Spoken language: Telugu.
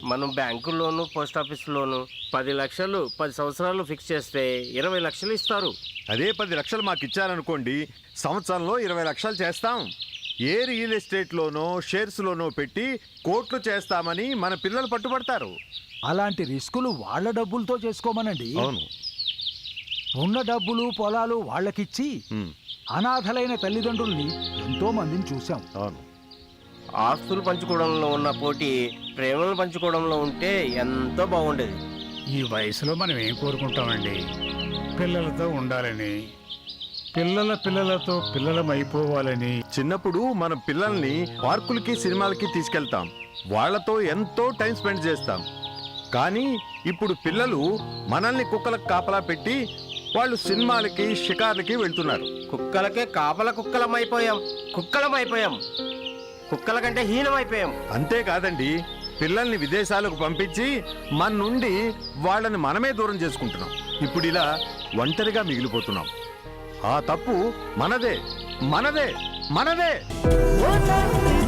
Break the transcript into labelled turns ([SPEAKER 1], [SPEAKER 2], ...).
[SPEAKER 1] మనం bank loan post office loan 10 లక్షలు 10 సంవత్సరాలు ఫిక్స్ చేస్తే 20 లక్షలు ఇస్తారు.
[SPEAKER 2] అదే 10 లక్షలు మాకు ఇచ్చారనుకోండి, సంవత్సరంలో 20 లక్షలు చేస్తాం. ఏ రియల్ ఎస్టేట్లోనో షేర్స్లోనో పెట్టి కోట్లు చేస్తామని మన పిల్లలు పట్టుబడతారు.
[SPEAKER 3] అలాంటి రిస్కులు వాళ్ళ డబ్బులతో చేసుకోమనండి.
[SPEAKER 2] అవును.
[SPEAKER 3] ఉన్న డబ్బులు పొలాలు వాళ్ళకిచ్చి అనాథలైన తల్లిదండ్రుల్ని ఎంతో మందిని చూశాం.
[SPEAKER 2] అవును.
[SPEAKER 1] ఆస్తులు పంచుకోవడంలో ఉన్న పోటీ ప్రేమలు పంచుకోవడంలో ఉంటే ఎంతో బాగుండేది.
[SPEAKER 4] ఈ వయసులో మనం ఏం కోరుకుంటామండి? పిల్లలతో ఉండాలని, పిల్లలతో పిల్లలమైపోవాలని.
[SPEAKER 2] చిన్నప్పుడు మన పిల్లల్ని పార్కులకి సినిమాలకి తీసుకెళ్తాం, వాళ్లతో ఎంతో టైం స్పెండ్ చేస్తాం. కానీ ఇప్పుడు పిల్లలు మనల్ని కుక్కలకు కాపలా పెట్టి వాళ్ళు సినిమాలకి షికార్లకి వెళ్తున్నారు.
[SPEAKER 1] కుక్కలకే కాపల కుక్కలమైపోయాం. కుక్కల కంటే హీనమైపోయాం.
[SPEAKER 2] అంతేకాదండి, పిల్లల్ని విదేశాలకు పంపించి మన నుండి వాళ్ళని మనమే దూరం చేసుకుంటున్నాం. ఇప్పుడు ఇలా ఒంటరిగా మిగిలిపోతున్నాం. ఆ తప్పు మనదే.